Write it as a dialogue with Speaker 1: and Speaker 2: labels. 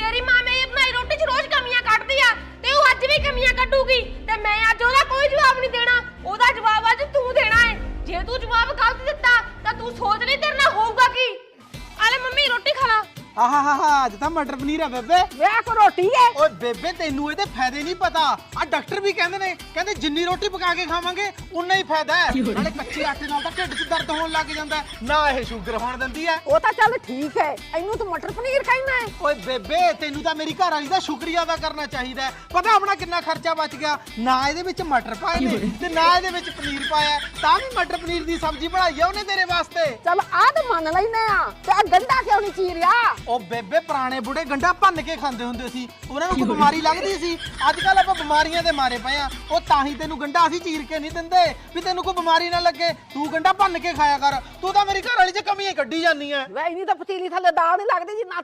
Speaker 1: ਤੇਰੀ ਮਾਂ ਮੇਰੀ ਬਣਾਈ ਰੋਟੀ 'ਚ ਰੋਜ਼ ਕਮੀਆਂ ਕੱਢਦੀ ਆ ਤੇ ਉਹ ਅੱਜ ਵੀ ਕਮੀਆਂ ਕੱਢੂਗੀ ਤੇ ਮੈਂ ਅੱਜ ਉਹਦਾ ਕੋਈ ਜਵਾਬ ਨਹੀਂ ਦੇਣਾ। ਉਹਦਾ ਜਵਾਬ ਅੱਜ ਤੂੰ ਦੇਣਾ ਹੈ। ਜੇ ਤੂੰ ਜਵਾਬ ਗਲਤ ਦਿੱਤਾ ਤਾਂ ਤੂੰ ਸੋਚ ਲਈ ਤੇਰੇ ਨਾਲ ਹੋਊਗਾ ਕੀ। ਆਲੇ ਮੰਮੀ ਰੋਟੀ ਖਾ ਲਾ।
Speaker 2: ਆਹਾ ਅੱਜ ਤਾਂ ਮਟਰ ਪਨੀਰ ਆ ਬੇਬੇ।
Speaker 3: ਵੇ ਕੋ ਰੋਟੀ ਹੈ।
Speaker 2: ਓਏ ਬੇਬੇ ਤੈਨੂੰ ਇਹਦੇ ਫਾਇਦੇ ਨਹੀਂ ਪਤਾ। ਆ ਡਾਕਟਰ ਵੀ ਕਹਿੰਦੇ ਨੇ, ਕਹਿੰਦੇ ਜਿੰਨੀ ਰੋਟੀ ਪਕਾ ਕੇ ਖਾਵਾਂਗੇ ਉਨਾ ਹੀ ਫਾਇਦਾ ਹੈ। ਨਾਲੇ ਕੱਚੇ ਆਟੇ ਨਾਲ ਤਾਂ ਢਿੱਡ 'ਚ ਦਰਦ ਹੋਣ ਲੱਗ ਜਾਂਦਾ, ਨਾ ਇਹ ਸ਼ੂਗਰ ਹੋਣ ਦਿੰਦੀ ਹੈ।
Speaker 3: ਉਹ ਤਾਂ ਚੱਲ ਠੀਕ ਹੈ, ਇਹਨੂੰ ਤੂੰ ਮਟਰ ਪਨੀਰ ਖਾਣਾ ਹੈ।
Speaker 2: ਓਏ ਬੇਬੇ ਤੈਨੂੰ ਤਾਂ ਮੇਰੀ ਘਰ ਵਾਲੀ ਦਾ ਸ਼ੁਕਰੀਆ ਅਦਾ ਕਰਨਾ ਚਾਹੀਦਾ ਹੈ। ਪਤਾ ਆਪਣਾ ਕਿੰਨਾ ਖਰਚਾ ਬਚ ਗਿਆ। ਨਾ ਇਹਦੇ ਵਿੱਚ ਮਟਰ ਪਾਏ ਨੇ ਤੇ ਨਾ ਇਹਦੇ ਵਿੱਚ ਪਨੀਰ ਪਾਇਆ, ਤਾਂ ਵੀ ਮਟਰ ਪਨੀਰ ਦੀ ਸਬਜ਼ੀ ਬਣਾਈ ਆ ਉਹਨੇ ਤੇਰੇ ਵਾਸਤੇ।
Speaker 3: ਚੱਲ ਆਹ ਤਾਂ ਮੰਨ ਲੈਨੇ ਆ ਤੇ ਆਹ ਗੰਢਾ ਕਿਉਂ ਨਹੀਂ ਚੀਰਿਆ?
Speaker 2: ਉਹ ਬੇਬੇ ਪੁਰਾਣੇ ਬੁੜੇ ਗੰਢਾ ਭੰਨ ਕੇ ਖਾਂਦੇ ਹੁੰਦੇ ਸੀ, ਉਹਨਾਂ ਨੂੰ ਕੋਈ ਬਿਮਾਰੀ ਲੱਗਦੀ ਸੀ। ਅੱਜ ਕੱਲ ਆਪਾਂ ਬਿਮਾਰੀਆਂ ਦੇ ਮਾਰੇ ਪਏ ਆ। ਉਹ ਤਾਂ ਹੀ ਤੈਨੂੰ ਗੰਢਾ ਅਸੀਂ ਚੀਰ ਕੇ ਨਹੀਂ ਦਿੰਦੇ ਵੀ ਤੈਨੂੰ ਕੋਈ ਬਿਮਾਰੀ ਨਾ ਲੱਗੇ। ਤੂੰ ਗੰਢਾ ਭੰਨ ਕੇ ਖਾਇਆ ਕਰ। ਤੂੰ ਤਾਂ ਮੇਰੀ ਘਰ ਵਾਲੀ 'ਚ ਕਮੀਆਂ ਕੱਢੀ ਜਾਂਦੀ ਐ।
Speaker 3: ਵੇ ਇਨੀ ਤਾਂ ਪਤੀਲੀ ਥੱਲੇ ਦਾਲ ਨਹੀਂ ਲੱਗਦੀ ਜੀ, ਨਾ